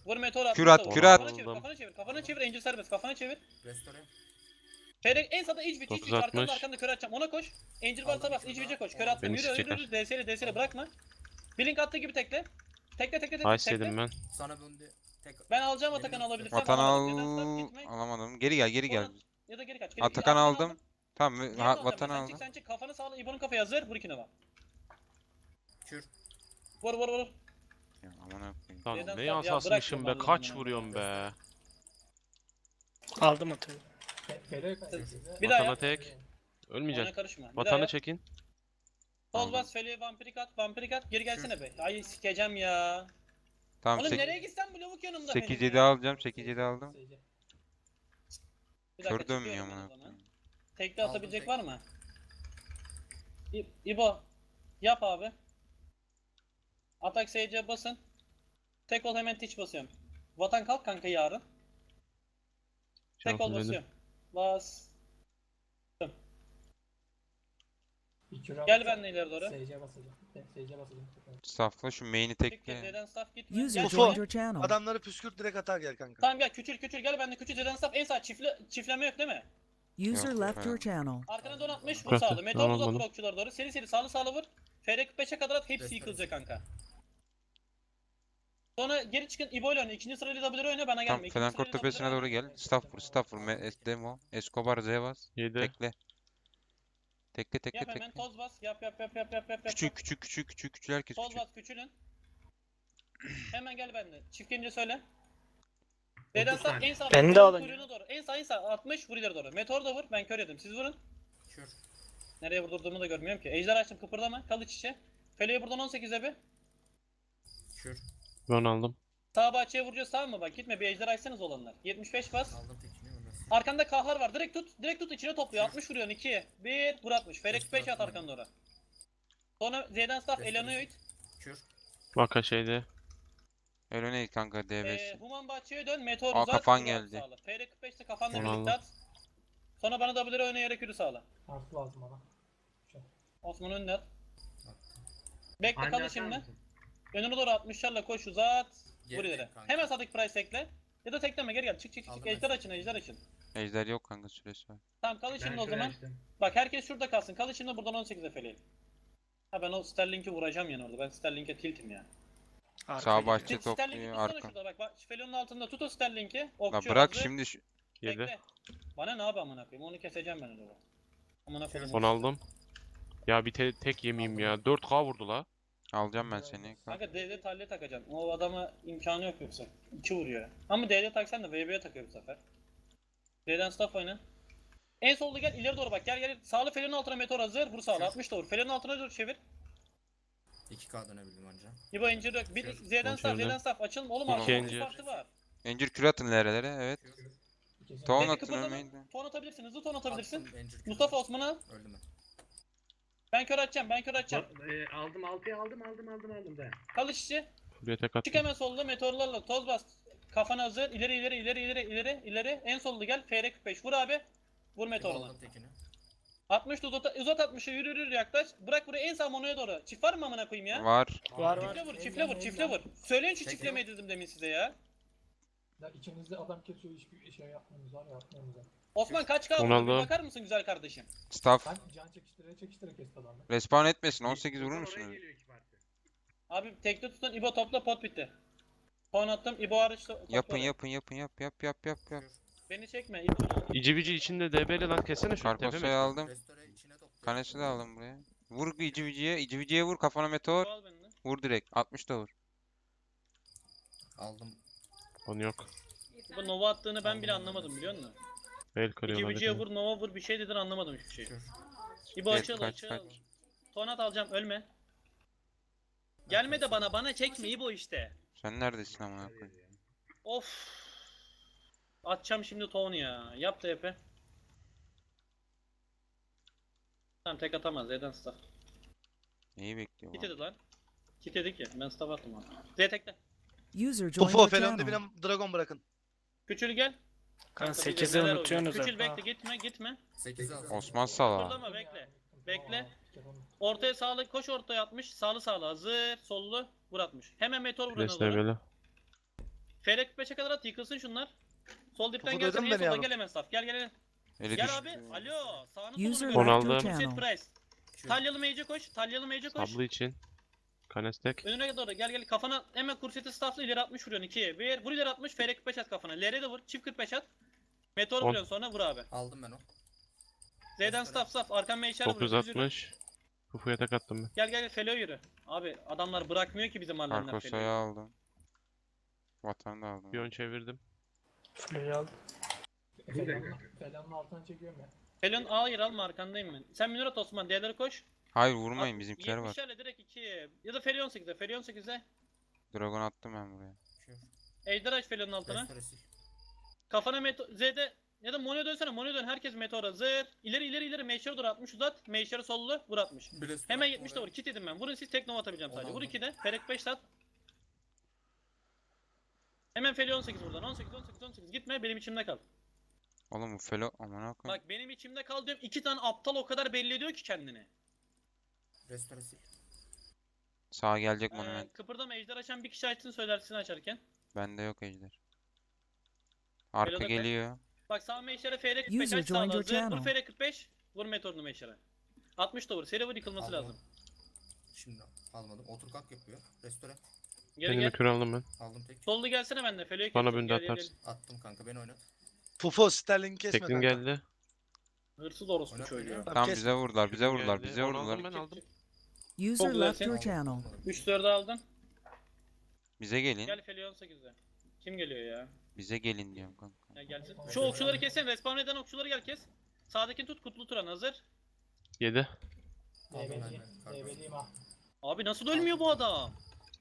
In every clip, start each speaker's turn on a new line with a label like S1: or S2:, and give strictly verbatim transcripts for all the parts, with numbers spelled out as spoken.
S1: Vur meteor at.
S2: Kür at,
S1: vur.
S2: kür at.
S1: Kafana çevir, kafana çevir, kafana çevir. Angel serbest, kafana çevir.
S3: Restore.
S1: Ferek en sağda iç biç, iç biç. Arkanda
S4: dokuz altmış.
S1: arkanda kör atacağım. Ona koş. Angel
S3: Aldım
S1: varsa bas,
S3: bir
S1: iç
S3: kür
S1: biçe
S3: daha.
S1: koş. Kör attım.
S4: Beni
S1: Yürü, yürü,
S4: sikecekler.
S1: yürü. D S L, D S L bırakma. Blink attığı gibi tekle. Tekle, tekle, tekle.
S4: Nice yedim
S1: tekle.
S4: ben.
S3: Sana döndü. Tek.
S1: Ben alacağım Atakan'ı alabilirsem.
S2: Vatan al...
S1: alamadım. Neden stop gitme.
S2: Alamadım. Geri gel, geri gel.
S1: Sonra- Ya da geri kaç. Geri,
S2: Atakan
S1: Atakan'ı
S2: aldım. Tamam,
S1: Diğerini
S2: ha,
S1: alacağım
S2: vatan
S1: ben. Sen
S2: aldım.
S1: çık, sen çık. Kafanı sağla. İbo'nun kafaya hazır. Vur ikine bak.
S3: Kür.
S1: Vur, vur, vur.
S2: Ya aman koyayım.
S4: Lan
S1: Neden
S4: ne
S1: sen- ya
S4: yansasmışım be.
S1: bırakma
S4: Kaç
S1: vallahi
S4: vuruyorum be.
S5: Aldım atıyor.
S1: Bir daha
S4: Vatana
S1: yap.
S4: tek.
S1: Ona
S4: Ölmeyeceksin.
S1: karışma. Bir daha
S4: Vatanı
S1: yap.
S4: çekin.
S1: Sol bas, Feli'ye vampirik at, vampirik at. Geri gelsene be. Ay sikeceğim ya.
S2: Tamam,
S1: Oğlum nereye gitsen bu lavuk yanımda benim
S2: sekiz
S1: ya.
S2: yedi alacağım, sekiz yedi aldım.
S1: Bir dakika,
S2: Kör dönmüyor
S1: çıkıyorum ben
S2: amına
S1: o zaman.
S2: koyayım.
S1: Tekli
S3: Aldım
S1: atabilecek
S3: tek.
S1: var mı? İ- İbo. Yap abi. Atak S C basın. Tek ol hemen tiç basıyorum. Vatan kalk kanka yarın. Tek ol
S4: Şansım benim.
S1: basıyorum. Bas. Gel benimle ileri doğru.
S6: S C basacağım. S C basacağım.
S2: Staffla şu main'i
S1: Çık gir
S2: tekle.
S1: Z'den staff gitme.
S7: User
S1: Gel
S8: Ufo.
S7: joined your channel.
S8: Adamları püskürt direkt atar gel kanka.
S1: Tamam gel küçül küçül gel benimle küçül Z'den staff en sağ çiftle çiftleme yok değil mi?
S7: User
S2: Yok,
S7: left your
S2: efendim.
S7: channel.
S1: Arkana donatmış vur
S4: Bırak,
S1: sağlı. Meteor
S4: tamam,
S1: uzat vur
S4: anladım.
S1: okçulara doğru. Seri seri sağlı sağlı vur. F R kırk beşe kadar at hepsi
S3: Restore.
S1: yıkılacak kanka. Sonra geri çıkın İbo ile oyna. İkinci sırayla W oyna bana gelme.
S2: Tam
S1: İkinci
S2: Felankort
S1: sırayla
S2: tepesine
S1: W
S2: doğru
S1: oyna.
S2: gel. Staff vur, staff vur. Me- es- Demo. Escobar Z bas.
S4: yedi.
S2: Tekle. Tekle tekle
S1: Yap hemen
S2: tekle.
S1: toz bas. Yap yap yap yap yap yap.
S2: Küçük
S1: yap.
S2: küçük küçük küçük küçük herkes
S1: Toz
S2: küçük.
S1: bas küçülün. Hemen gel benimle. Çift gelince söyle. Z'den sağ en sağ.
S5: Ben de
S1: Meteorun
S5: alın.
S1: kuyruğuna doğru. En sağ en sağ altmış vur ileri doğru. Meteor da vur. Ben kör yedim. Siz vurun.
S3: Kür.
S1: Nereye vurdurduğumu da görmüyorum ki. Ejder açtım kıpırdama. Kal iç içe. Fele'ye buradan on sekize bir.
S3: Kür.
S4: Ben aldım.
S1: Sağ bahçeye vuracağız tamam mı? Bak gitme bir ejder açsanız olanlar. yetmiş beş bas.
S3: Aldım tekini. Restore.
S1: Arkanda kahlar var. Direkt tut. Direkt tut içine topluyor. altmış vuruyorsun ikiye. bir vur atmış. Ferek beş at arkanda oraya. Sonra Z'den staff Elanoid.
S3: Kür.
S4: Vaka şeyde.
S2: Öyle ne kanka D
S1: Ee,
S2: beş.
S1: Human bahçeye dön. Meteor
S2: Aa,
S1: uzat.
S2: kafan
S1: vur
S2: geldi.
S1: sağla. Ferek kırk beşte kafanla
S4: Onu
S1: birlikte
S4: aldım.
S1: at. Sonra bana W oynayarak yürü sağla.
S6: Artı lazım bana.
S1: Osman önüne at. Bekle kalı şimdi. Önüne doğru altmışlarla koş uzat. Vur
S3: Geride
S1: ileri.
S3: kanka.
S1: Hemen sadık price tekle. Ya da tekleme geri gel. Çık çık çık.
S3: Aldım
S1: Ejder
S3: ben.
S1: açın ejder açın.
S2: Ejder yok kanka, süresi var.
S1: Tamam kal içinde o zaman. Bak herkes şurada kalsın. Kal içinde buradan on sekize feleğim. Ha ben o Sterling'i vuracağım yani orada. Ben Sterling'e tiltim ya.
S2: Sağ bahçe
S1: Sterling'i
S2: topluyor
S1: tutsana
S2: arka.
S1: şurada bak. bak Felon'un altında tut o Sterling'i.
S2: La
S1: Okçu
S2: bırak
S1: hazır.
S2: şimdi şu...
S4: yedi.
S1: Bekle. Bana ne abi amına koyayım? Onu keseceğim ben orada. Amına koyayım.
S4: Onu aldım. Ya bir te tek yemeyeyim ya. dört K vurdu la.
S2: Alacağım ben seni.
S1: Kanka D D talle takacağım. O adama imkanı yok yoksa. iki vuruyor. Ama D D taksan da V B'ye takıyor bu sefer. D'den staff oyna. En solda gel ileri doğru bak. Gel gel. Sağlı Felon'un altına meteor hazır. Vur sağlı. altmış da vur. Felon'un altına doğru çevir.
S3: iki K dönebildim anca.
S1: İbo incir yok. Bir Z'den staff,
S4: Geçirdim.
S1: Z'den staff. Açılma oğlum
S4: İki
S1: arkada
S4: incir.
S1: bir parti var.
S2: Encir kür atın nerelere, evet.
S3: Kür.
S2: Ton
S1: Peki
S2: atın
S1: kıpırdama.
S2: ölmeyin de.
S1: Ton atabilirsin. Hızlı ton atabilirsin.
S3: Attım, Encir kür.
S1: Mustafa Osman'ı al.
S3: Öldüm ben.
S1: Ben kör atacağım. Ben kör atacağım.
S9: E, aldım altıyı aldım aldım aldım aldım ben.
S1: Kal işçi.
S4: Buraya tek
S1: Çık
S4: attım.
S1: hemen solda meteorlarla toz bas. Kafana hazır. İleri ileri ileri ileri ileri ileri. En solda gel. F R kırk beş. Vur abi. Vur meteoruna.
S3: Aldım tekini.
S1: altmış da uzat, uzat altmışı yürü yürü yaklaş. Bırak buraya en sağ monoya doğru. Çift var mı amına koyayım ya?
S2: Var.
S5: Var var.
S1: Çiftle vur, çiftle vur, çiftle vur. Söyleyin şu
S3: Tek
S1: çiftlemeyi dedim demin size ya.
S6: Ya içimizde adam kesiyor hiçbir şey yapmıyoruz var ya yapmıyoruz ya.
S1: Osman kaç kaldı?
S4: Onu
S1: Bir
S4: aldım.
S1: bakar mısın güzel kardeşim?
S2: Staff.
S6: Ben can çekiştire çekiştire kesti adamı.
S2: Respawn etmesin, on sekiz vurur
S9: Oraya
S2: musunuz?
S9: geliyor iki parti.
S1: Abi tekte tutun İbo topla pot bitti. Puan attım İbo hariç to- topla
S2: Yapın
S1: oraya.
S2: yapın yapın yap yap yap yap yap.
S1: Beni çekme İbo.
S4: İci bici içinde D B'li lan kessene şu
S2: Karkosa'yı
S4: tepeme.
S2: aldım.
S3: Restore içine topla.
S2: Kanesi de aldım buraya. Vur ici viciye, ici viciye vur kafana meteor.
S1: İbo al beni.
S2: Vur direkt. altmış da vur.
S3: Aldım.
S4: Onu yok.
S1: İbo Nova attığını ben bile anlamadım biliyor musun?
S4: El
S1: İki
S4: kırıyorlar.
S1: vücuya
S4: bir
S1: vur Nova vur bir şey dedin anlamadım hiçbir şey.
S3: Kür.
S1: İbo
S2: Evet,
S1: açıl
S2: kaç,
S1: açıl.
S2: kaç.
S1: Tonat alacağım ölme. Gelme de bana bana çekme İbo işte.
S2: Sen neredesin amına koyayım?
S1: Of. Atacağım şimdi ton ya. Yap da yapı. Tamam tek atamaz Z'den staff.
S2: Neyi bekliyor
S1: Kit
S2: lan?
S1: dedi lan. Kit dedi ki ben staff attım ona. Z tekle.
S7: User joined
S8: Ufo
S7: your
S8: falan
S7: channel.
S8: dibine dragon bırakın.
S1: Küçül gel.
S5: Kan
S1: Kanka,
S5: sekizi
S1: neler
S5: unutuyorsunuz
S1: oynuyor? Küçül
S5: ha.
S1: bekle gitme gitme.
S3: sekizi aldım.
S2: Osman Sala.
S1: Kıpırdama bekle. Bekle. Ortaya sağlı koş ortaya atmış. Sağlı sağlı hazır. Sollu vur atmış. Hemen meteor vurana
S4: Pres
S1: doğru.
S4: D B'li.
S1: F R kırk beşe kadar at yıkılsın şunlar. Sol dipten
S8: Topu
S1: gelsin
S8: duydun
S1: en
S8: beni
S1: solda
S8: yavrum.
S1: gel hemen staff. Gel gel gel.
S2: Eli
S1: Gel
S2: düştü.
S1: abi. Alo. Sağını
S5: User
S1: solunu
S4: Onu
S5: left
S1: gör.
S5: your
S4: aldım.
S1: Set
S5: channel.
S1: price.
S3: Kür.
S1: Talyalı mage'e koş. Talyalı mage'e koş.
S4: Sablı için. Kanestek.
S1: Önüne doğru gel gel kafana hemen kurseti staffla ileri atmış vuruyorsun ikiye. Bir vur ileri atmış F R kırk beş at kafana. L R de vur. Çift kırk beş at. Meteor
S4: On.
S1: vuruyorsun sonra vur abi.
S3: Aldım ben o.
S1: Z'den staff staff. Arkan meşer vuruyor. düz yürü.
S4: dokuz altmış. Fufuya tek attım ben.
S1: Gel gel Felo yürü. Abi adamlar bırakmıyor ki bizim hallerinden
S2: Arkosa'yı
S1: Felo'yu.
S2: aldım. Vatanı da aldım.
S4: Bir ön çevirdim.
S6: Flörü aldım.
S9: Bir dakika.
S6: Felanın, felanın altına çekiyorum ya.
S1: Felo'nun hayır alma arkandayım ben. Sen Münir at Osman. D'lere koş.
S2: Hayır vurmayın
S1: At-
S2: bizimkiler var.
S1: yetmişlerle direkt ikiye. Ya da Felo on sekize. Felo on sekize.
S2: Dragon attım ben buraya.
S3: Kür.
S1: Ejder aç Felo'nun altına.
S3: Restore sil.
S1: Kafana meto Z'de ya da Mono'ya dönsene. Mono'ya dön. Herkes meteor hazır. İleri ileri ileri. Meşer'e doğru atmış uzat. Meşer'e sollu. Vur atmış.
S3: Bir restore
S1: Hemen
S3: attım
S1: yetmiş de
S3: oraya.
S1: vur. Kit yedim ben. Vurun siz tek nova atabileceğim sadece. Vur
S3: Oldu.
S1: ikide. Ferek beş sat. Hemen Feli on sekiz buradan. on sekiz on sekiz on sekiz. Gitme benim içimde kal.
S2: Oğlum bu Felo amına koyayım.
S1: Bak benim içimde kal diyorum. İki tane aptal o kadar belli ediyor ki kendini.
S3: Restore sil.
S2: Sağa gelecek
S1: Ee,
S2: monument.
S1: kıpırdama ejder açan bir kişi açsın söylersin açarken.
S2: Bende yok ejder. Arka
S1: Felo'da kal.
S2: geliyor.
S1: Bak sağ meşere F R kırk beş
S5: User
S1: aç
S5: joined
S1: sağla
S5: your
S1: hazır. Vur
S5: channel.
S1: F R kırk beş. Vur meteorunu meşere. altmış da vur. Seri vur yıkılması
S3: Aldım.
S1: lazım.
S3: Şimdi almadım. Otur kalk yapıyor. Restore.
S1: Geri
S4: Kendime
S1: gel.
S4: kür aldım ben.
S3: Aldım tek.
S1: Sollu gelsene bende. Felo'yu
S4: Bana
S1: kestim.
S4: bünde
S1: Gel, gel,
S4: atarsın.
S3: Attım kanka beni oynat.
S8: Fufo Sterling kesme
S4: Teklim
S8: kanka.
S4: geldi.
S1: gel. Hırsız orospu
S3: Oynat
S1: çocuğu.
S3: oynuyor.
S8: Tamam,
S2: Tamam
S8: kes.
S2: bize vurdular, bize
S4: Teklim
S2: vurdular,
S4: geldi.
S2: bize
S4: Onu
S2: vurdular.
S4: aldım ben aldım.
S5: User
S1: Çok
S5: left
S1: güzelsin.
S5: your channel.
S1: üç dördü aldın.
S2: Bize gelin.
S1: Gel Feli on sekizde. Kim geliyor ya?
S2: Bize gelin diyorum kanka.
S1: Ya gelsin. Şu okçuları kesin. Respawn eden okçuları gel kes. Sağdakini tut. Kutlu Turan hazır.
S4: yedi.
S3: Aldım ben
S6: Develiyim.
S3: de. Kanka.
S6: Develiyim ha.
S1: Abi nasıl ölmüyor bu adam?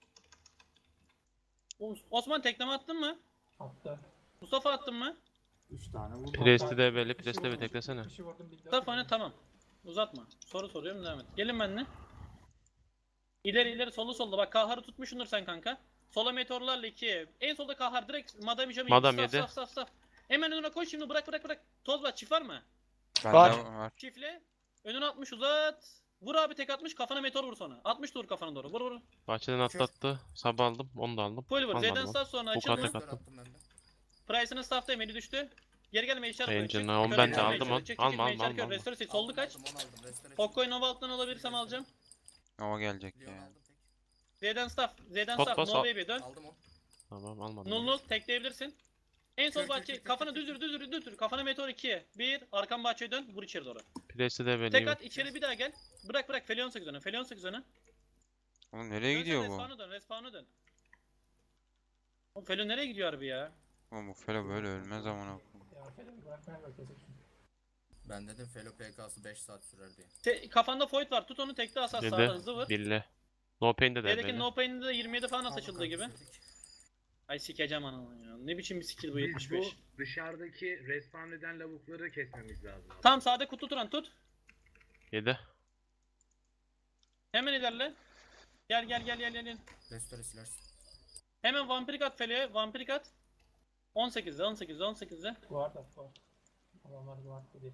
S1: Os- Osman tekleme attın mı?
S6: Attı.
S1: Mustafa attın mı?
S9: üç tane vurdu.
S4: Presti de belli.
S6: Bir şey
S4: Presti de bir
S6: vurdum,
S4: teklesene.
S6: bir şey vurdum, bir de-
S1: Mustafa oyna tamam. Uzatma. Soru soruyorum devam et. Gelin benimle. İleri ileri solu solda. Bak Kahar'ı tutmuşsundur sen kanka. Sola meteorlarla iki. En solda Kahar direkt Madame Jamie.
S4: Madame
S1: Staff,
S4: yedi.
S1: staff, staff, staff. Hemen önüne koş şimdi bırak bırak bırak. Toz var çift var mı?
S2: Bende
S8: Var.
S2: var.
S1: Çiftle. Önüne atmış uzat. Vur abi tek atmış kafana meteor vur sonra. atmış da vur kafana doğru. Vur vur.
S4: Bahçeden atlattı. Sabah aldım. Onu da aldım.
S1: Full vur.
S4: Almadım
S1: Z'den
S4: onu.
S1: staff sonra
S4: Bu
S1: açıldı.
S4: kadar.
S3: Restore
S4: attım.
S3: attım ben de.
S1: Price'ının staff'tayım eli düştü. Geri gelme işaret koy.
S4: Engine,
S1: Çık,
S4: onu
S1: yukarı
S4: ben de
S1: çık,
S4: aldım
S1: meşale,
S4: onu.
S1: çık, çık,
S4: Alma,
S1: meşale
S4: alma,
S1: kör,
S4: alma.
S1: restore sil. Soldu kaç.
S3: Aldım, onu aldım. Restore sil.
S1: Pokko'yu Nova altından alabilirsem alacağım.
S2: Nova gelecek
S3: Leon
S2: ya.
S3: aldım tek.
S1: Z'den staff. Z'den
S4: Pot
S1: staff.
S4: bas,
S1: No
S4: al.
S1: baby dön.
S3: Aldım o.
S4: Tamam almadım.
S1: Null
S4: onu.
S1: null tekleyebilirsin. En sol
S3: Kür, kür,
S1: bahçe
S3: kür,
S1: kafana
S3: kür, kür.
S1: düzür düzür düzür. Kafana meteor ikiye. bir arkan bahçeye dön. Vur içeri doğru.
S4: Presti de
S1: Tek
S4: belli.
S1: at içeri bir daha gel. Bırak bırak. Feli on sekiz öne. Feli on sekiz öne.
S2: Oğlum nereye gidiyor bu?
S1: Respawn'a dön. Respawn'a dön. Oğlum Feli nereye gidiyor harbi ya?
S2: Oğlum bu Felo böyle ölmez amına koyayım.
S6: Ya Felan'ı bırakmaya bak kesin.
S3: Ben dedim Felo P K'sı beş saat sürer diye.
S1: Te- kafanda Void var. Tut onu tekte asas
S4: Yedi.
S1: sağda hızlı vur.
S4: Bille. No pain'de de
S1: D'deki
S4: belli.
S1: no pain'de de yirmi yedi falan
S3: Aldım
S1: açıldığı
S3: kanka,
S1: gibi.
S3: tek.
S1: Ay sikeceğim ananı ya. Ne biçim bir skill bu
S9: Biz
S1: yetmiş
S9: bu
S1: beş.
S9: dışarıdaki respawn eden lavukları kesmemiz lazım. abi.
S1: Tamam sağda kutu turan tut.
S4: yedi.
S1: Hemen ilerle. Gel gel gel gel gel. gel.
S3: Restore silersin.
S1: Hemen vampirik at Feli'ye. Vampirik at. on sekizde on sekizde on sekizde.
S6: Guard at guard. Adamlar guard dedi.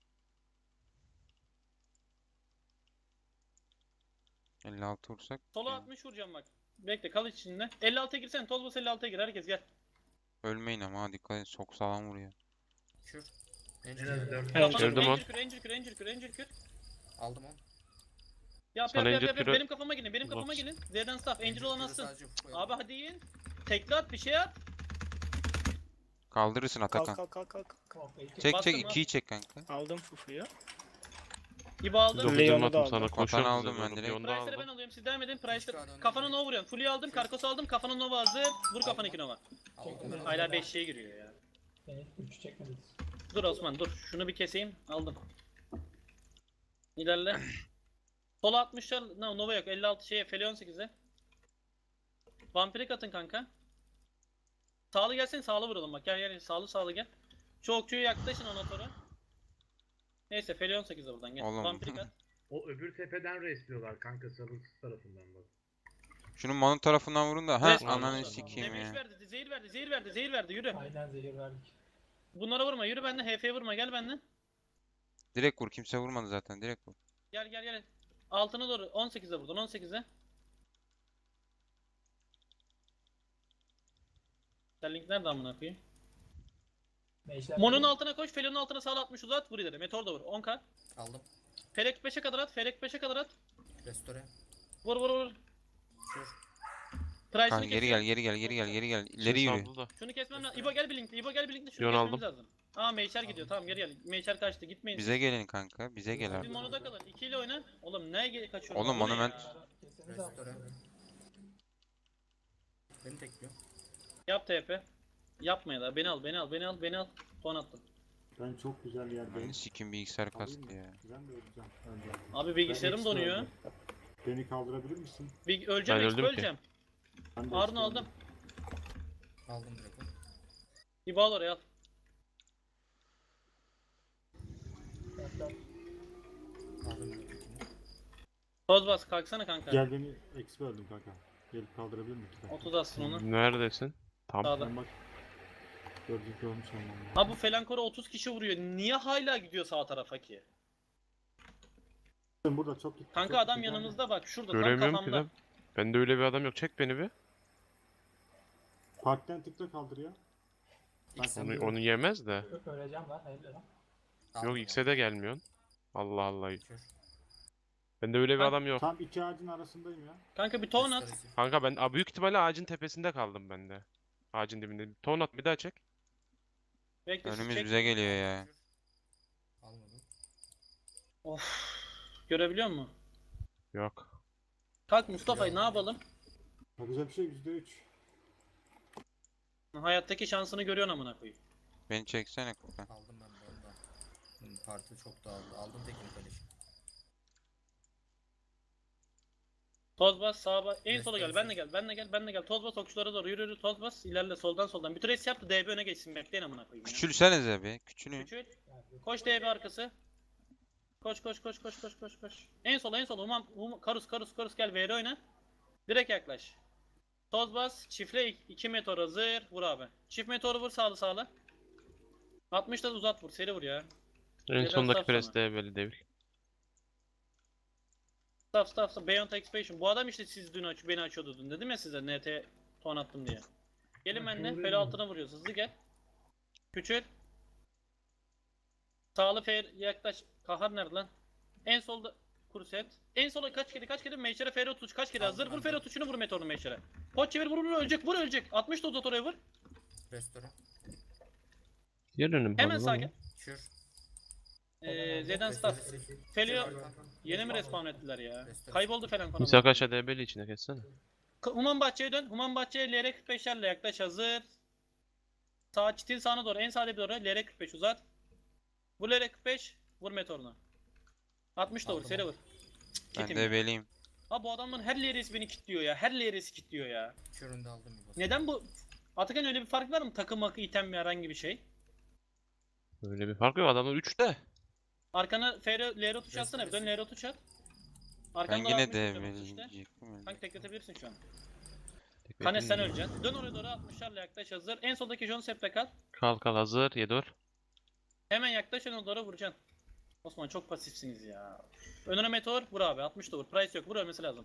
S2: elli altı vursak.
S1: Sola
S2: ya.
S1: altmış vuracağım bak. Bekle kal içinde. elli altıya girsen. Tolbos elli altıya gir. Herkes gel.
S2: Ölmeyin ama ha dikkat et çok sağlam vuruyor.
S3: Kür.
S9: En
S3: Angel
S9: az
S3: geldi.
S9: dört.
S1: Kafana
S4: Gördüm
S1: vur.
S4: on.
S1: Angel kür, Angel kür, Angel kür, Angel kür.
S3: Aldım on.
S1: Yap
S4: Sana
S1: yap yap
S4: Angel
S1: yap. yap.
S4: kürü-
S1: Benim kafama gelin. Benim kafama
S4: Lot.
S1: gelin. Z'den staff. Angel olan
S3: kürü
S1: atsın.
S3: sadece Fuko'ya
S1: Abi
S3: aldım.
S1: hadi yiyin. Tekli at bir şey at.
S2: Kaldırırsın Atakan.
S7: Kalk kalk kalk kalk.
S6: Komple iki.
S2: Çek
S1: Bastım
S2: çek
S1: lan.
S2: ikiyi çek kanka.
S7: Aldım Fufu'yu.
S1: İbo aldım.
S4: dokuz
S7: Leon'u
S4: yirmi
S7: da
S4: attım
S7: aldım.
S4: sana.
S2: Vatanı
S4: Koşuyorum
S2: aldım
S4: size
S2: ben
S4: doğru.
S2: direkt.
S4: Leon'u da
S1: Price'ları ben
S4: aldım.
S1: alıyorum. Siz devam edin. Price'ları.
S3: Üç kağıt
S1: Kafana
S3: önde.
S1: Nova vuruyorum. Full'yu aldım. Karkos aldım. Kafana Nova hazır. Vur kafana iki Nova.
S3: Aldım ben onu.
S1: Hala beşliğe giriyor ya.
S6: Beni üç çekmediniz.
S1: Dur Osman dur. Şunu bir keseyim. Aldım. İlerle. Sola altmışlar. No, Nova yok. elli altı şeye. Feli on sekize. Vampirik atın kanka. Sağlı gelsene. Sağlı vuralım bak. Gel gel. Sağlı sağlı gel. Şu okçuyu yaklaşın ona sonra. Neyse Feli on sekizde buradan gel.
S2: Oğlum.
S1: Vampirik at.
S9: O öbür tepeden resliyorlar kanka sarımsız tarafından bak.
S2: Şunun Manu tarafından vurun da. Ha
S1: Resmen
S2: ananı
S1: vurdu.
S2: sikeyim
S1: Demeç
S2: ya.
S1: verdi. Zehir verdi. Zehir verdi. Zehir verdi. Yürü.
S6: Aynen zehir verdik.
S1: Bunlara vurma. Yürü benden. H F'ye vurma. Gel benden.
S2: Direkt vur kimse vurmadı zaten direkt vur.
S1: Gel gel gel. Altına doğru. on sekize buradan. on sekize. Sterling nerede amına koyayım?
S6: Mecler
S1: Mon'un altına koş, Felon'un altına sağla atmış uzat, vur ileri. Meteor da vur. on k.
S3: Aldım.
S1: Ferek beşe kadar at, Ferek beşe kadar at.
S3: Restore.
S1: Vur vur vur.
S3: Kür.
S1: Price'ını
S2: Kanka geri
S1: kesiyor.
S2: gel geri gel geri gel geri gel. İleri
S4: Şimdi
S2: yürü.
S4: saldı da.
S1: Şunu kesmem lazım. İbo gel bir linkle, İbo gel bir linkle. Şunu
S4: Yon
S1: kesmemiz
S4: aldım.
S1: lazım. Aa Meyşer gidiyor, tamam geri gel. Meyşer kaçtı, gitmeyin.
S2: Bize gelin kanka. Bize gel
S1: Siz
S2: abi.
S1: Mono'da kalın, iki ile oyna. Oğlum neye ge- kaçıyorsun?
S2: Oğlum,
S1: Bu ne
S2: Monument-
S1: ya?
S6: Keseniz abi.
S3: Restore. Beni tekliyor.
S1: Yap T P. Yapma ya da beni al, beni al, beni al, beni al. Ton attım.
S5: Ben çok güzel yerdeyim.
S2: Hani sikim bilgisayar
S5: Alayım
S2: kastı
S5: mı?
S2: ya.
S5: Ben de öleceğim önce.
S1: Abi bilgisayarım
S5: Ben
S1: donuyor.
S5: extra öldüm. Beni kaldırabilir misin?
S1: Bir öleceğim,
S4: Ben
S1: expo
S4: öldüm ki.
S1: öleceğim.
S5: Ben de
S1: Harun
S5: extra
S1: aldım.
S5: öldüm.
S3: Aldım direkt onu.
S1: İbo al oraya al.
S6: Mecler.
S3: Aldım direkt ikini.
S1: Toz bas, kalksana kanka.
S5: Gel beni extra öldüm kanka. Gelip kaldırabilir misin?
S1: otuz atsın onu.
S4: Neredesin? Tam.
S1: Sağda.
S5: Ben bak. Gördük görmüş olmam.
S1: Ha bu Felankora otuz kişi vuruyor. Niye hala gidiyor sağ tarafa ki?
S5: Burada çok gitti.
S1: Kanka
S5: çok
S1: adam
S5: gitti.
S1: yanımızda bak şurada tam
S4: Göremiyorum ki
S1: kafamda.
S4: lan. Bende öyle bir adam yok. Çek beni bir.
S5: Parkten tıkla kaldır ya.
S3: X
S4: Onu, onu yemez de.
S6: Ö- Öleceğim ben. Hayırlı lan.
S3: aldım
S4: Yok
S3: onu.
S4: X'e de gelmiyorsun. Allah Allah.
S3: Kür.
S4: Bende öyle bir
S1: Ben-
S4: adam yok.
S5: Tam iki ağacın arasındayım ya.
S1: Kanka bir ton at.
S3: Restoresi.
S4: Kanka ben Aa, büyük ihtimalle ağacın tepesinde kaldım ben de. Ağacın dibinde. Ton at bir daha çek.
S1: Bekle siz
S2: Önümüz
S1: çek.
S2: bize geliyor ya.
S3: Kür. Almadım.
S1: Of. Görebiliyor musun?
S4: Yok.
S1: Kalk Mustafa'yı ne yapalım?
S5: Bak güzel bir şey yüzde üç.
S1: Hayattaki şansını görüyorsun amına koyayım.
S2: Beni çeksene Kuka.
S3: Aldım ben de onu da. Hmm, parti çok dağıldı. Aldım tekini kaleşi.
S1: Toz bas sağa bas. En
S3: Evet,
S1: sola gel.
S3: evet,
S1: Ben de
S3: evet.
S1: gel. Ben de gel. Ben de gel. Toz bas okçulara doğru yürü yürü. Toz bas. İlerle soldan soldan. Bir trace yaptı. D B öne geçsin. Bekleyin amına koyayım ya.
S2: Küçülsenize bir. Küçülün.
S1: Küçül. Koş D B arkası. Koş koş koş koş koş koş koş. En sola en sola. Umam, um, karus karus karus gel V R oyna. Direkt yaklaş. Toz bas. Çiftle iki meteor hazır. Vur abi. Çift meteoru vur sağlı sağlı. altmış da uzat vur. Seri vur ya.
S4: En
S1: Neden
S4: sondaki
S1: staff
S4: pres
S1: sana?
S4: de böyle devil.
S1: Staff staff staff. Beyond Expansion. Bu adam işte siz dün aç beni açıyordu dün. Dedim ya size N T ton attım diye. Gelin
S9: Ha,
S1: benimle.
S9: doğru
S1: Fel
S9: ya.
S1: altına vuruyoruz. Hızlı gel. Küçül. Sağlı fer yaklaş. Kahar nerede lan? En solda kurset. En sola kaç kere kaç kere Meşere Fer otuz kaç kere
S3: Aldım
S1: hazır. Vur
S3: ben
S1: Fer
S3: de.
S1: otuzunu vur Meteor'un Meşere. Pot çevir vur vur ölecek vur ölecek. altmış da uzat oraya vur.
S3: Restore.
S4: Yer önüm
S1: Hemen
S4: kaldı
S1: sağ
S4: ama.
S1: gel.
S3: Kür.
S1: Ee, Z'den staff.
S3: Restoresi.
S1: Felio
S3: Kür aldım.
S1: yeni mi respawn ettiler ya?
S3: Restore.
S1: Kayboldu falan konu.
S4: İshak aşağı debeli içine kessene.
S1: Human Bahçe'ye dön. Human Bahçe'ye L R kırk beşlerle yaklaş hazır. Sağ çitin sağına doğru en sağda bir doğru L R kırk beş uzat. Vur L R kırk beş vur Meteor'una. altmış da vur
S3: Aldım
S1: seri
S3: onu.
S1: vur.
S2: Ben
S1: Kitim
S2: de
S1: ya.
S2: beliyim.
S1: Ha bu adamların her L R'si beni kilitliyor ya. Her L R'si kilitliyor ya.
S3: Kürünü de aldım bir basın.
S1: Neden bu? Atakan öyle bir fark var mı? Takım akı, item ve herhangi bir şey.
S4: Öyle bir fark yok. Adamlar üçte.
S1: Arkana F R, L R tuş atsana bir dön L R tuş at.
S2: Ben
S1: Arkandan
S2: yine
S1: altmış
S2: de
S1: tutuyorum işte.
S2: beliyim.
S1: Kanka tekletebilirsin şu an.
S4: Tek
S1: Kanes sen
S4: bekleyin.
S1: öleceksin. Dön oraya doğru altmışlarla yaklaş hazır. En soldaki John Sep'te kal.
S4: Kal kal hazır. Yedur.
S1: Hemen yaklaş ona doğru vuracaksın. Osman çok pasifsiniz ya. Önüne meteor vur abi altmış da vur. Price yok vur ölmesi lazım.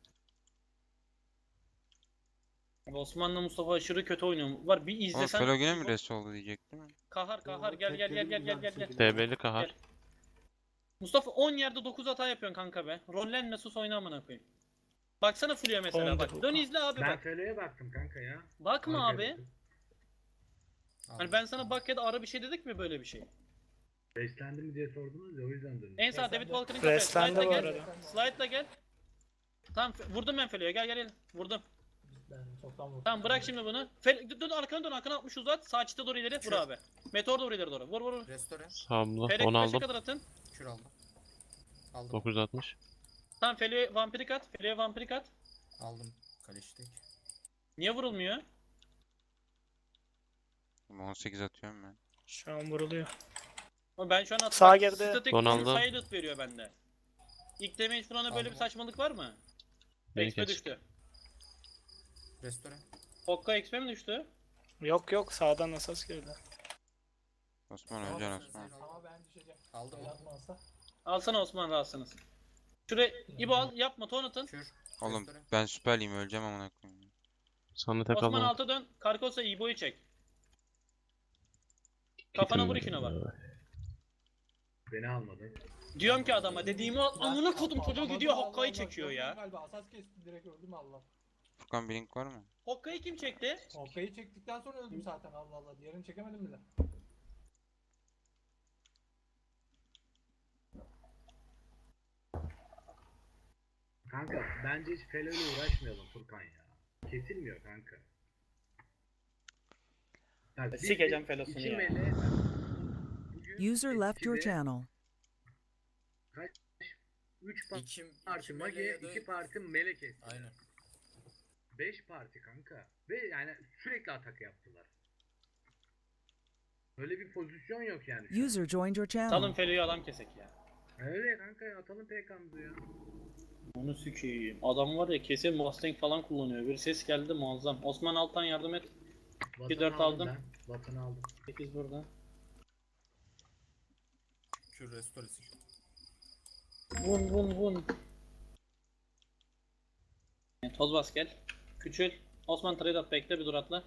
S1: Abi Osman'la Mustafa aşırı kötü oynuyor. Var bir
S2: Oğlum
S1: izlesen.
S2: Felo yine mi res oldu diyecektim.
S1: Kahar kahar gel gel gel gel gel gel gel.
S4: Debeli kahar.
S1: Gel. Mustafa on yerde dokuz hata yapıyorsun kanka be. Rollenme sus oyna amına koyayım. Baksana Fulya mesela bak. Dön izle abi
S9: Ben
S1: bak.
S9: Felo'ya baktım kanka ya.
S1: Bakma
S9: Harika
S1: abi.
S9: bir-
S1: Hani ben sana bak ya da ara bir şey dedik mi böyle bir şey?
S9: Beslendi mi diye sordunuz ya o yüzden döndüm.
S1: En sağ David
S6: Reslendi.
S1: Walker'ın kafaya.
S8: Reslendi
S1: Slide'la
S8: bu
S1: gel.
S8: arada.
S1: Slide'la gel. Tamam fe- vurdum ben Felo'ya gel gel gel. Vurdum.
S6: Ben çoktan vurdum.
S1: Tamam bırak şimdi bunu. Fel dön, dön arkana dön arkana altmış uzat. Sağ çite doğru ileri vur
S3: Kür.
S1: abi. Meteor doğru ileri doğru. Vur vur vur.
S3: Restore.
S4: Samlı.
S1: Ferek
S4: onu
S1: beşe
S4: aldım.
S1: kadar atın.
S3: Kür aldım. Aldım.
S4: dokuz yüz altmış.
S1: Tamam Felo'ya vampirik at. Felo'ya vampirik at.
S3: Aldım. Kaleşi tek.
S1: Niye vurulmuyor?
S2: on sekiz atıyorum ben.
S8: Şu an vuruluyor.
S1: Ama ben şu an attım.
S8: Sağ
S1: Bak,
S8: geride.
S1: Static
S4: Ronaldo.
S1: silent veriyor bende. İlk damage vurana böyle bir
S3: Aldım.
S1: saçmalık var mı?
S4: Beni
S1: X P
S4: kes.
S1: düştü.
S3: Restore.
S1: Hokka X P mi düştü?
S8: Yok yok sağdan asas girdi.
S2: Osman
S6: Ama
S2: öleceksin
S6: ben-
S2: Osman.
S6: Ama ben düşeceğim.
S3: Aldım.
S6: El atmazsa.
S1: Alsana Osman rahatsınız. Şuraya İbo al yapma ton atın.
S3: Kür.
S2: Oğlum
S3: Restore.
S2: ben süperliyim öleceğim amına koyayım.
S4: Sonra tek
S1: Osman
S4: aldım.
S1: alta dön. Karkosa İbo'yu çek. Kafana vur ikine bak.
S9: Beni almadın.
S1: Diyorum ki adama dediğimi al. Amına kodum çocuğu
S6: Alamadım,
S1: gidiyor
S6: Allah
S1: Hokka'yı
S6: Allah,
S1: çekiyor
S6: gördün
S1: ya.
S6: Galiba asas kesti direkt öldüm Allah.
S2: Furkan bir link var mı?
S1: Hokka'yı kim çekti?
S6: Hokka'yı çektikten sonra öldüm zaten Allah Allah. Diğerini çekemedim bile.
S9: Kanka bence hiç Felo ile uğraşmayalım Furkan ya. Kesilmiyor kanka. Bak, biz
S1: Sikeceğim
S9: de
S1: Felo'sunu
S9: iki
S1: ya.
S9: mele- bugün
S7: User left your
S9: eskide
S7: channel.
S9: üç
S3: İki,
S9: parti
S3: iki
S9: Mage,
S3: mele ya da-
S9: iki parti Mele kesti.
S3: Aynen.
S9: beş parti kanka. Ve yani sürekli atak yaptılar. Böyle bir pozisyon yok yani. şu an.
S7: User joined your
S1: Salın
S7: channel.
S1: Felo'yu adam kesek ya.
S9: Öyle kanka ya, atalım P K'mızı ya.
S1: Onu sikeyim. Adam var ya kesin Mustang falan kullanıyor. Bir ses geldi muazzam. Osman Altan yardım et.
S9: Vatanı
S1: dört aldım.
S9: Ben. Vatanı aldım.
S1: sekiz burada.
S3: Kür restoresi.
S1: Vun vun vun. E, Toz bas gel. Küçül. Osman trade at bekle bir dur atla.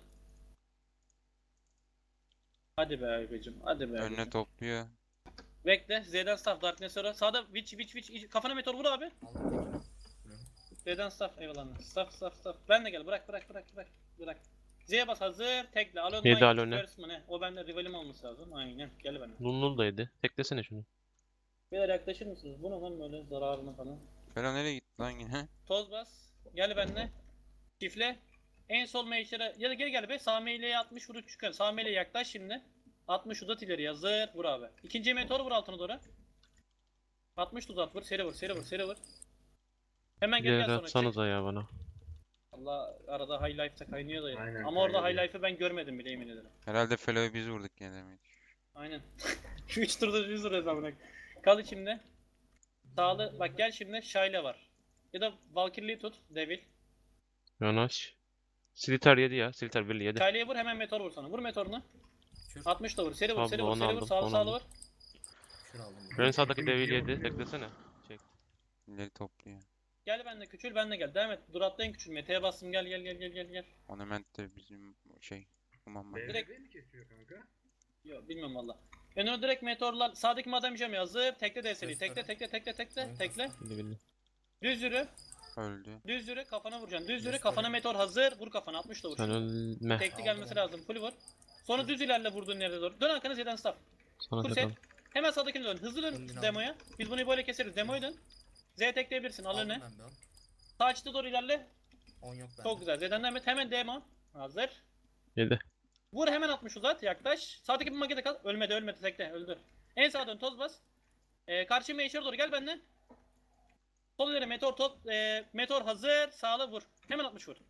S1: Hadi be abicim. Hadi be
S2: Önüne
S1: abicim.
S2: topluyor.
S1: Bekle. Z'den staff Darkness sonra. Sağda witch witch witch. Kafana meteor vur abi.
S3: Aldım tekini.
S1: Z'den staff eyvallah. Staff staff staff. Ben de gel. Bırak bırak bırak bırak. Bırak. Z'ye bas hazır. Tekle. Alon
S4: Yedi
S1: Mine,
S4: Alone.
S1: First mı ne? O bende rivalim olması lazım. Aynen. Gel bana.
S4: Nullul da yedi. Teklesene şunu.
S1: Beyler yaklaşır mısınız? Bu ne lan böyle zararına falan.
S2: Felo nereye gitti lan yine?
S1: Toz bas. Gel benimle. Çifle. En sol meyşere ya da geri gel be. Sağ meyleye altmış vurup çıkar. Sağ meyleye yaklaş şimdi. altmış uzat ileri hazır. Vur abi. İkinci meteor vur altına doğru. altmış uzat vur. Seri vur. Seri vur. Seri vur. Hemen gel gel
S4: İleri
S1: sonra çık.
S4: atsanıza ya bana.
S1: Allah arada high life'ta kaynıyor da ya.
S9: Aynen,
S1: Ama orada high
S9: kaynıyor.
S1: life'ı ben görmedim bile yemin ederim.
S2: Herhalde Felo'yu biz vurduk gene demek.
S1: Aynen. Şu üç turda yüz lira hesabına. Kal içimde. Sağlı bak gel şimdi Shayla var. Ya da Valkyrie'yi tut. Devil.
S4: Yanaş. Slitter yedi ya. Slitter birli yedi.
S1: Shayla'ya vur hemen meteor vur sana. Vur meteorunu.
S3: Kür.
S1: altmış da vur. Seri vur.
S4: Tamam,
S1: Seri vur.
S4: onu
S1: Seri vur.
S4: aldım,
S1: Sağlı
S4: onu
S1: sağlı
S4: aldım.
S1: vur.
S3: Kür aldım.
S4: En sağdaki devil yedi. Teklesene. Çek.
S2: İleri topluyor.
S1: Gel benimle küçül benimle gel. Devam et. Dur atlayın küçül. Mete'ye bastım. Gel gel gel gel gel gel.
S2: Ornament de bizim şey. Aman bak.
S1: Direkt-
S9: B R B mi kesiyor kanka?
S1: Yok bilmiyorum valla. Önüne direkt meteorlar. Sağdaki madem jam yazıp tekle D S L'yi.
S3: Restore.
S1: Tekle tekle tekle tekle
S3: Evet,
S1: tekle.
S4: Bildi bildi.
S1: Düz yürü.
S2: Öldü.
S1: Düz yürü. Kafana vuracaksın. Düz yürü.
S3: Restore.
S1: Kafana meteor hazır. Vur kafana. altmış da vur.
S4: Sen ölme.
S1: Tekli gelmesi lazım. Full vur. Sonra düz ilerle vurduğun yere doğru. Dön arkana Z'den staff.
S4: Sana
S1: Kur
S4: tek
S1: set.
S4: al.
S1: Hemen sağdakini dön. Hızlı dön
S3: Önden
S1: demoya. Biz bunu böyle keseriz. Demoyu dön. Z tekleyebilirsin. Al
S3: Aldım
S1: öne.
S3: ben de on.
S1: Sağ açıda doğru ilerle.
S3: on yok bende.
S1: Çok güzel. Z'den devam et. Hemen demo. Hazır.
S4: Yedi.
S1: Vur hemen altmış uzat. Yaklaş. Sağdaki bir makete kal. Ölmedi ölmedi. Tekle. Öldür. En sağa dön. Toz bas. Ee, karşı meşhur doğru. Gel benden. Sol ileri meteor top. E, meteor hazır. Sağla vur. Hemen altmış vur.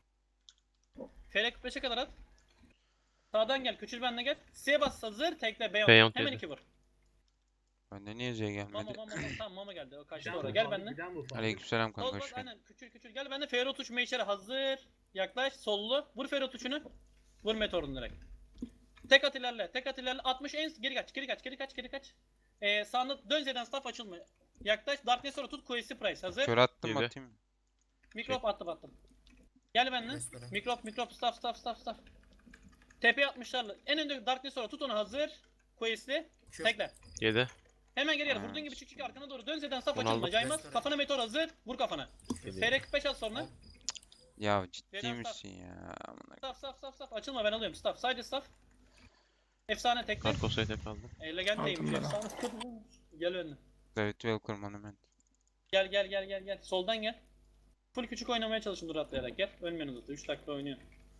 S1: Felek kırk beşe kadar at. Sağdan gel. Küçül benle gel. S'ye bas hazır. Tekle. Beyond.
S4: Beyond
S1: Hemen
S4: dedi.
S1: iki vur.
S2: Bende niye Z
S1: Mama
S2: gelmedi?
S1: mama mama. Tamam mama geldi. O kaçtı
S9: Bir daha
S1: oraya.
S9: bu
S1: Gel
S9: faldı,
S1: benimle.
S9: bir daha bu faldı.
S2: Aleykümselam
S1: Toz
S2: kanka
S1: bas
S2: hoş geldin.
S1: aynen. Küçül küçül. Gel benimle. Ferro tuş meşere hazır. Yaklaş. Sollu. Vur Ferro tuşunu. Vur meteorunu direkt. Tek at ilerle. Tek at ilerle. altmış en geri kaç. Geri kaç. Geri kaç. Geri kaç. Ee, sağında dön Z'den staff açılma. Yaklaş. Darkness sonra tut. Quest'i price hazır.
S2: Kör attım
S4: Yedi.
S2: atayım mı?
S1: Mikrop attım attım. Gel benimle.
S3: Restore.
S1: Mikrop mikrop staff staff staff staff. Tepeye atmışlarla. En önde Darkness sonra tut onu hazır. Quest'i.
S3: Kür.
S1: Tekle.
S4: Yedi.
S1: Hemen geri gel.
S2: Ha.
S1: Vurduğun gibi çık çık arkana doğru. Dön Z'den staff
S4: Bunu
S1: açılma.
S4: aldım.
S1: Caymaz.
S3: Restore.
S1: Kafana meteor hazır. Vur kafana. F R kırk beş at sonra.
S2: Ya ciddi
S1: Z'den
S2: misin ya? Amına
S1: Staff staff staff staff. Açılma ben alıyorum. Staff. Sadece staff. Efsane tekle.
S4: Karkosa'yı tek aldım.
S1: Elle gelmeyeyim.
S8: Aldım ben.
S1: Efsane. Gel önüne.
S2: David Welcome Monument.
S1: Gel gel gel gel gel. Soldan gel. Full küçük oynamaya çalışın dur atlayarak gel. Ölmeyin zaten. üç dakika oynuyor.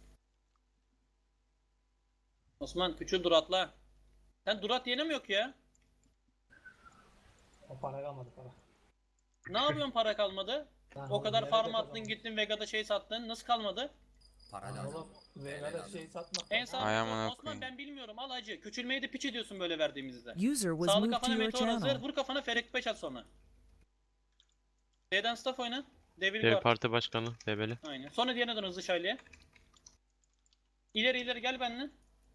S1: Osman küçük dur atla. Sen durat yeni mi yok ya?
S6: O para kalmadı para.
S1: Ne yapıyorsun para kalmadı?
S6: Yani
S1: O kadar
S6: nerede
S1: farm
S6: kazandın?
S1: attın gittin Vega'da şey sattın. Nasıl kalmadı?
S3: Para
S6: Lan
S3: lazım.
S6: oğlum Vega'da şey satmak.
S1: En
S6: var.
S1: sağ
S2: Ay amına
S1: Osman
S2: koyayım.
S1: ben bilmiyorum al hacı. Küçülmeyi de piç ediyorsun böyle verdiğimizde.
S7: User was
S1: Sağlı
S7: moved to
S1: kafana
S7: your
S1: meteor hazır.
S7: channel.
S1: Vur kafana Ferek beş at sonra. D'den staff oyna. Devil
S4: Dev
S1: guard.
S4: parti başkanı. Debeli.
S1: Aynen. Sonra diğerine dön hızlı şayleye. İleri ileri gel benimle.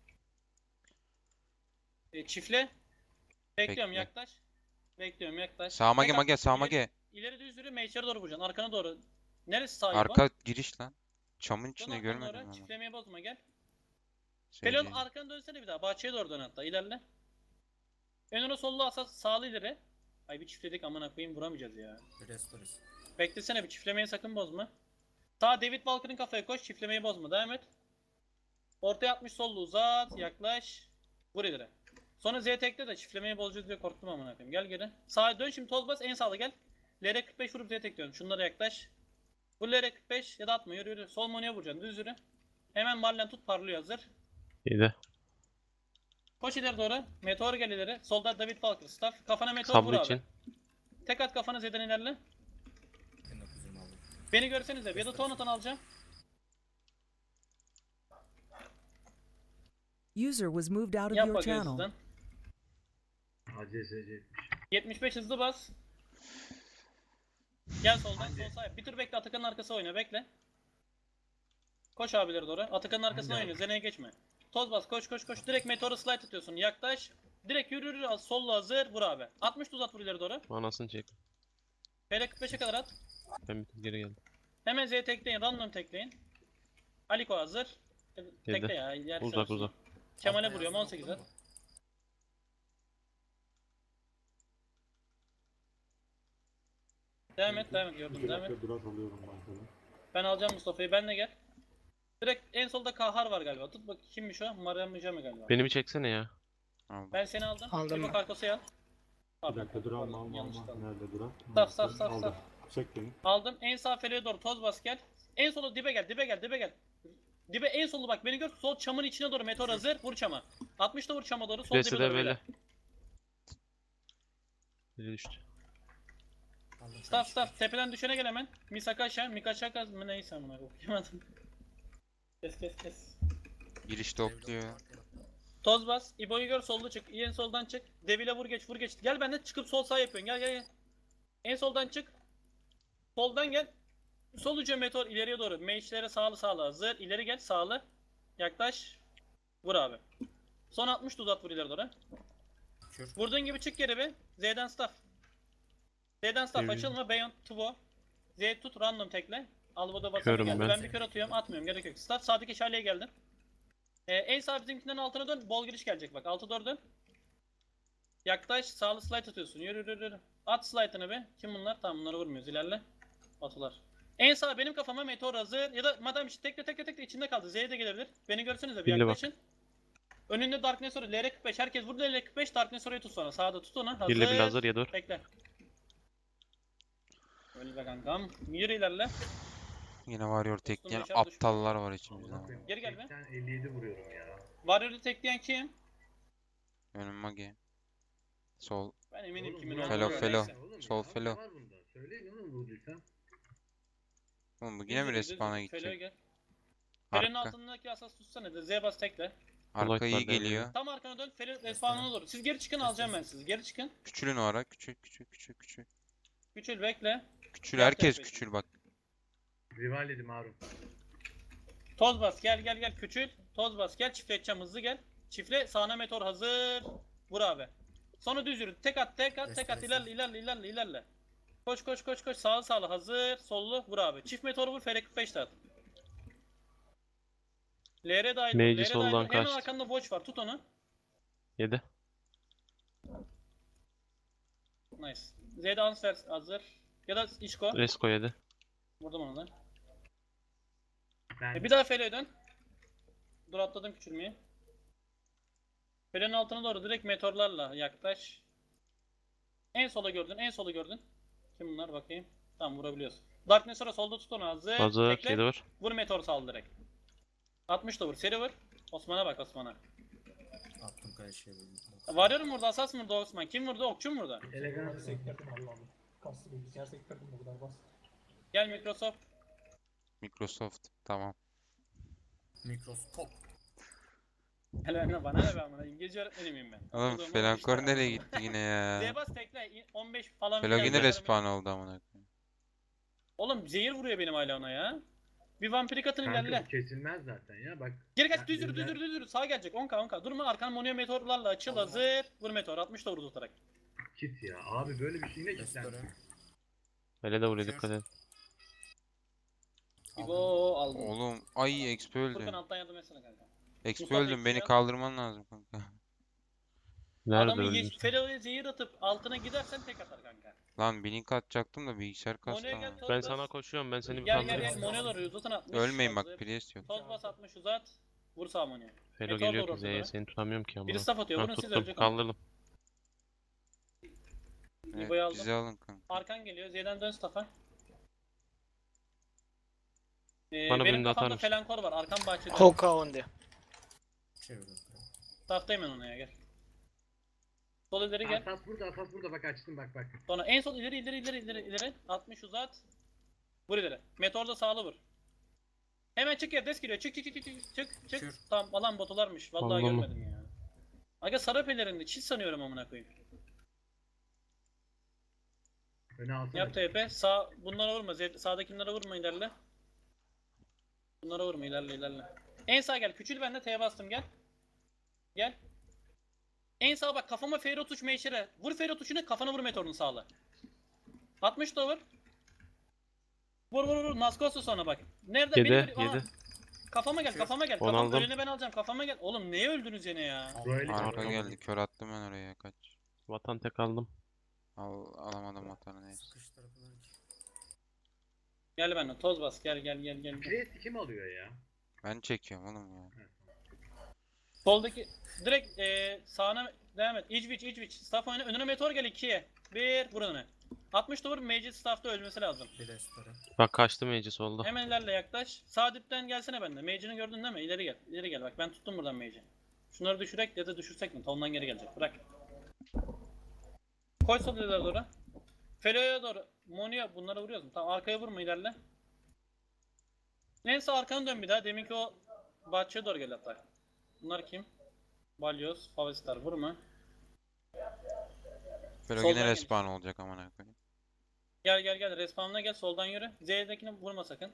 S1: E, çifle. Bekliyorum
S2: Bekle.
S1: yaklaş. Bekliyorum yaklaş.
S2: Sağ mage
S1: Tek
S2: mage
S1: at.
S2: sağ
S1: İleri-
S2: mage.
S1: İleri düz yürü, meyçeri doğru vuracaksın. Arkana doğru. Neresi sağ bu?
S2: Arka giriş lan. Çamın
S1: Dön
S2: içinde
S1: arkanı
S2: görmedim
S1: doğru.
S2: ama.
S1: Çiftlemeyi bozma gel.
S2: Şey
S1: Felon
S2: değil.
S1: arkanı dönsene bir daha. Bahçeye doğru dön hatta. İlerle. Önüne sollu asas sağlı ileri. Ay bir çiftledik amına koyayım vuramayacağız ya.
S3: Restores.
S1: Beklesene bir çiftlemeyi sakın bozma. Sağ David Walker'ın kafaya koş. Çiftlemeyi bozma. Devam et. Ortaya atmış sollu uzat. Yaklaş. Vur ileri. Sonra Z tekte de çiftlemeyi bozacağız diye korktum amına koyayım. Gel geri. Sağa dön şimdi toz bas en sağda gel. L R kırk beş vurup Z tek diyorum. Şunlara yaklaş. Bu L R kırk beş ya da atma yürü yürü. Sol monoya vuracaksın düz yürü. Hemen Marlen tut parlıyor hazır.
S4: İyiydi.
S1: Koş ileri doğru. Meteor gel ileri. Solda David Walker staff. Kafana meteor vur
S4: Sablı
S1: abi.
S4: için.
S1: Tek at kafana Z'den ilerle.
S3: bin dokuz yüz yirmi aldım.
S1: Beni görsenize ya da Tonatan alacağım.
S7: User was moved out of
S1: Yap
S7: your
S1: bakayım
S7: channel.
S1: hızlıdan.
S9: A C S C.
S1: yetmiş beş hızlı bas. Gel soldan sol sağ. Bir tur bekle Atakan'ın arkası oyna bekle. Koş abileri doğru. Atakan'ın arkasına
S9: Hangi
S1: oyna. Zeneye geçme. Toz bas koş koş koş. Direkt meteoru slide atıyorsun. Yaklaş. Direkt yürü yürü. al, Solla hazır. Vur abi. altmış uzat vur ileri doğru.
S4: Anasını çek.
S1: P R kırk beşe kadar at.
S4: Ben bir tık geri geldim.
S1: Hemen Z tekleyin. Random tekleyin. Aliko hazır. Tekle ya. yer
S4: Uzak
S1: şansın.
S4: uzak.
S1: Kemal'e
S3: Altta
S1: vuruyorum
S3: yazan
S1: on sekiz
S3: okudun
S1: at.
S3: mu?
S1: Devam et devam et gördüm
S5: İki
S1: devam et.
S5: dakika durat alıyorum bankadan.
S1: Ben alacağım Mustafa'yı. Benle gel. Direkt en solda Kahar var galiba. Tut bak kimmiş o? Mariam Mücemi galiba.
S4: Beni bir çeksene ya.
S2: Aldım.
S1: Ben seni aldım.
S8: Aldım
S1: Bir
S8: ben.
S1: Karkos'u al.
S5: Bir
S1: Pardon,
S5: dakika dur
S1: pardon,
S5: alma alma
S1: yanlış
S5: alma.
S1: kaldı.
S5: Nerede durat?
S1: Saf, saf, saf,
S5: Aldım.
S1: saf.
S5: Çek beni.
S1: Aldım. En sağ feleğe doğru toz bas gel. En sola dibe gel, dibe gel, dibe gel. Dibe en solu bak beni gör. Sol çamın içine doğru meteor hazır. Vur çama. altmış da vur çama doğru. Sol
S4: Kulesi
S1: dibe
S4: de
S1: doğru
S4: böyle.
S1: böyle.
S4: Biri düştü.
S3: Aldım
S1: Staff
S3: kardeşim.
S1: staff tepeden düşene gel hemen. Misaka aşağı, Mikaçaka mı neyse amına okuyamadım. Kes kes kes.
S2: Girişte okluyor.
S1: Toz bas. İbo'yu gör solda çık. En soldan çık. Devile vur geç vur geç. Gel benden çıkıp sol sağ yapıyorsun. Gel gel gel. En soldan çık. Soldan gel. Sol ucu meteor ileriye doğru. Mage'lere sağlı sağlı hazır. İleri gel sağlı. Yaklaş. Vur abi. Son altmış da uzat vur ileri doğru.
S3: Kür.
S1: Vurduğun gibi çık geri bir. Z'den staff. Z'den staff
S4: Evet.
S1: açılma. Beyond Tuvo. Z tut random tekle. Alboda basana
S4: Körüm
S1: geldi.
S4: ben.
S1: Ben bir kör atıyorum. Atmıyorum. Gerek yok. Staff sağdaki şaleye geldim. Ee, en sağ bizimkinden altına dön. Bol giriş gelecek bak. Altı doğru dön. Yaklaş. Sağlı slide atıyorsun. Yürü yürü yürü. At slide'ını be. Kim bunlar? Tamam bunları vurmuyoruz. İlerle. Atılar. En sağ benim kafama meteor hazır. Ya da madem işte tekle tekle tekle içinde kaldı. Z'ye de gelebilir. Beni görsenize bir
S4: Şimdi bak.
S1: yaklaşın. Önünde Darkness Oraya. L R kırk beş. Herkes vurdu L R kırk beş. Darkness Orayı tut sonra. Sağda tut onu. Hazır.
S4: Birle bir hazır ya dur.
S1: Bekle. Öyle be kankam. Yürü ilerle.
S2: Yine Warrior tekleyen
S1: yaşar düşman.
S2: aptallar var içimizde.
S9: Amına koyayım.
S1: Geri gel be.
S9: seksen elli yedi vuruyorum ya.
S1: Warrior'ı tekleyen kim?
S2: Önüm Magi. Sol.
S1: Ben eminim
S9: Oğlum,
S1: kimin
S9: vuran
S2: Felo,
S1: olduğunu.
S9: var.
S2: felo.
S1: Neyse.
S9: Oğlum
S2: Sol
S9: ya,
S2: felo.
S9: ne var bunda? Söyleyin oğlum vurduysan.
S2: Oğlum bu yine mi
S1: Düz yürü, düz
S2: respawn'a
S1: yürü. Felo'ya
S2: gidecek?
S1: gel. Felo'nun
S2: Arka.
S1: altındaki asas tutsana. Z bas tekle.
S2: Arka
S4: Kulak
S2: iyi
S4: var devreye.
S2: geliyor.
S1: Tam arkana dön. Felo respawn'a doğru. Siz geri çıkın alacağım ben sizi. Geri çıkın.
S2: Küçülün o ara. Küçül küçül küçül küçül.
S1: Küçül bekle.
S2: Küçül
S1: Gel
S2: herkes
S1: tepeye.
S2: küçül bak.
S9: Rival dedim Harun.
S1: Toz bas gel gel gel küçül. Toz bas gel çiftle edeceğim hızlı gel. Çiftle sağına meteor hazır. Vur abi. Sonra düz yürü. Tek at tek at tek at ilerle ilerle ilerle ilerle. Koş koş koş koş sağlı sağlı hazır. Sollu vur abi. Çift meteoru vur F R kırk beş de at. L R dahil.
S4: Mage'i
S1: L R
S4: soldan
S1: dahil. Hemen
S4: kaçtı.
S1: arkanda watch var. Tut onu.
S4: Yedi.
S1: Nice. Z'de answer hazır. Ya da Işko.
S4: Resko yedi.
S1: Vurdum onu da.
S9: Ben
S1: E bir daha Fele'ye dön. Dur atladım küçülmeyi. Fele'nin altına doğru direkt meteorlarla yaklaş. En sola gördün, en sola gördün. Kim bunlar bakayım. Tamam vurabiliyorsun. Darkness sonra solda tut onu hazır.
S4: Hazır.
S1: Bekle.
S4: Yedi var.
S1: Vur meteor sal direkt. altmış da vur. Seri vur. Osman'a bak Osman'a.
S3: Attım kardeşim.
S1: Varıyorum burada asas mı vurdu Osman? Kim vurdu? Okçu mu vurdu?
S9: elegans.
S6: Sektirdim Allah Allah. Kastı bilgisayar sektirdim bu kadar bas.
S1: Gel Microsoft.
S2: Microsoft. Tamam.
S3: Mikroskop.
S1: Gel benimle bana ne ben bana. İngilizce öğretmeni miyim ben?
S2: Oğlum
S1: Okuduğum
S2: Felankor
S1: olmuş da.
S2: nereye gitti yine ya?
S1: Zebas tekle on beş falan.
S2: Felo
S1: bir
S2: yine
S1: tane
S2: respawn oldu amına koyayım.
S1: Oğlum zehir vuruyor benim hala ona ya. Bir vampirik atın
S9: Kanka
S1: ilerle.
S9: bu kesilmez zaten ya bak.
S1: Geri kaç
S9: Ben
S1: düz yürü düz
S9: birden-
S1: yürü düz yürü. Sağa gelecek on k on k. Durma arkan monoya meteorlarla açıl
S3: Allah.
S1: hazır. Vur meteor altmış da vurdu tutarak.
S9: Kit ya. Abi böyle bir şey yine
S3: Restore.
S9: kitlendi.
S4: Öyle de vuruyor dikkat et.
S1: İbo aldım.
S2: Oğlum ay Exp öldü.
S1: Furkan alttan yardım etsene kanka.
S2: Exp
S1: Mustafa
S2: öldüm beni
S1: bekliyor.
S2: kaldırman lazım kanka.
S4: Nerede
S1: Adamı
S4: öldün?
S1: yeş- Felo'ya zehir atıp altına gidersen tek atar kanka.
S2: Lan blink atacaktım da bilgisayar kastı
S1: Mono'ya gel
S2: ama.
S1: toz
S4: Ben
S1: bas.
S4: sana koşuyorum. Ben seni bir
S1: Gel gel gel
S4: kaldırayım.
S1: Mono'ya doğru uzatın atmış.
S2: Ölmeyin bak
S1: hazır.
S2: Priest yok.
S1: Toz bas atmış uzat. Vur sağ Mono'ya.
S4: Felo
S1: Meteor
S4: geliyor
S1: doğru
S4: ki Z'ye
S1: ortalara.
S4: seni tutamıyorum ki ama.
S1: Biri staff atıyor.
S4: Ha,
S1: Vurun siz
S4: tuttum
S1: ölecek.
S4: kaldırdım.
S2: Evet,
S1: İbo'yu aldım.
S2: bizi alın kanka.
S1: Arkan geliyor. Z'den dön staff'a. Ee,
S4: Bana
S1: benim
S4: birini atar
S1: kafamda
S4: mısın?
S1: felankor var. Arkam bahçede.
S8: Hoka onde.
S3: Çeviriyorum.
S1: Staff'tayım ben ona ya gel. Sol ileri gel.
S9: Asas burada, Asas burada. Bak açtım bak bak.
S1: Sonra en sol ileri ileri ileri ileri ileri. altmış uzat. Vur ileri. Meteorda sağlı vur. Hemen çık ya. Des geliyor. Çık çık çık çık çık çık. çık.
S3: Kür.
S1: Tamam alan botularmış. Vallahi
S4: Anladım.
S1: görmedim ya. Aga sarı pelerinde çiz sanıyorum amına koyayım.
S9: Öne alsana.
S1: Yap T P. Sağ bunlara vurma. Z- sağdakilere vurma ilerle. Bunlara vurma ilerle ilerle. En sağ gel. Küçül ben de T'ye bastım gel. Gel. En sağ bak kafama Ferro tuş meşere. Vur Ferro tuşuna kafana vur meteorun sağla. altmış da vur. Vur vur vur. Naskosu sonra bak. Nerede?
S4: Yedi,
S1: Beni- Aa,
S4: yedi.
S1: Kafama gel kafama gel.
S4: Onu
S1: Kafam
S4: aldım.
S1: önüne ben alacağım. Kafama gel. Oğlum neye öldünüz yine ya?
S9: Böyle
S2: Arka
S4: Arka
S2: geldi kör attım ben oraya kaç.
S4: Vatan tek aldım.
S2: Al, alamadım vatanı neyse.
S3: Sıkış tarafından iki.
S1: Gel benimle toz bas. Gel gel gel gel. gel.
S9: Priest kim alıyor ya?
S2: Ben çekiyorum oğlum ya.
S1: Soldaki direkt e, sağına devam et. İçviç içviç. Staff oyna. Önüne meteor gel ikiye. Bir vur önüne. altmış da vur. Mage staff'ta ölmesi lazım.
S3: Bir restore.
S4: Bak kaçtı Mage'i solda.
S1: Hemen ilerle yaklaş. Sağ dipten gelsene bende. Mage'ini gördün değil mi? İleri gel. İleri gel. Bak ben tuttum buradan Mage'i. Şunları düşürek ya da düşürsek mi? Tondan geri gelecek. Bırak. Koy sol ileri doğru. Felo'ya doğru. Monia bunlara vuruyoruz mu? Tamam arkaya vurma ilerle. Neyse arkanı dön bir daha. Deminki o bahçeye doğru gel hatta. Bunlar kim? Balyoz, Favestar vurma.
S2: Böyle
S1: Soldan
S2: yine
S1: gel.
S2: respawn olacak amına koyayım.
S1: Gel gel gel. Respawn'ına gel. Soldan yürü. Z'dekini vurma sakın.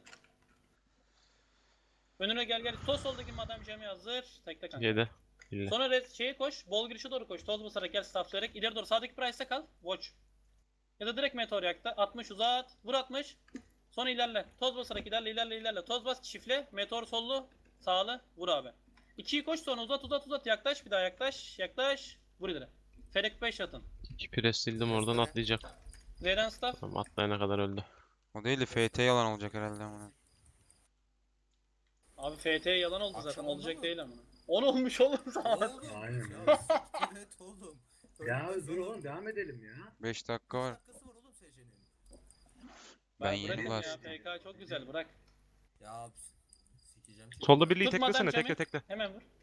S1: Önüne gel gel. Sol soldaki madam Cem'i hazır. Tekle kanka.
S4: yedi. Bille.
S1: Sonra red şeye koş. Bol girişe doğru koş. Toz basarak gel stafflayarak. İleri doğru. Sağdaki price'te kal. Watch. Ya da direkt meteor yakta. altmış uzat. Vur altmış. Sonra ilerle. Toz basarak ilerle ilerle ilerle. Toz bas çiftle. Meteor sollu. Sağlı. Vur abi. ikiyi koş sonra uzat uzat uzat. Yaklaş bir daha yaklaş. Yaklaş. Vur ileri. Ferek beş atın.
S4: İki pres sildim oradan atlayacak.
S1: Z'den staff.
S4: Tamam atlayana kadar öldü.
S2: O değil de F T yalan olacak herhalde amına.
S1: Abi F T yalan oldu
S3: Akşam
S1: zaten.
S3: oldu
S1: Olacak
S3: mu?
S1: değil ama. on olmuş oğlum zaten.
S3: Oğlum.
S9: Aynen
S3: ya,
S9: öyle.
S3: Evet oğlum.
S9: Ya
S3: Ölmez
S9: dur oğlum devam edelim ya.
S2: beş dakika var.
S3: beş dakikası var oğlum S C'nin.
S2: Ben yeni
S1: bırakın ya,
S2: bastım.
S1: F K çok güzel bırak.
S3: Ya sikeceğim.
S4: Solda birliği
S1: Tut madem
S4: teklesene
S1: Cem'i.
S4: tekle tekle.
S1: Hemen vur.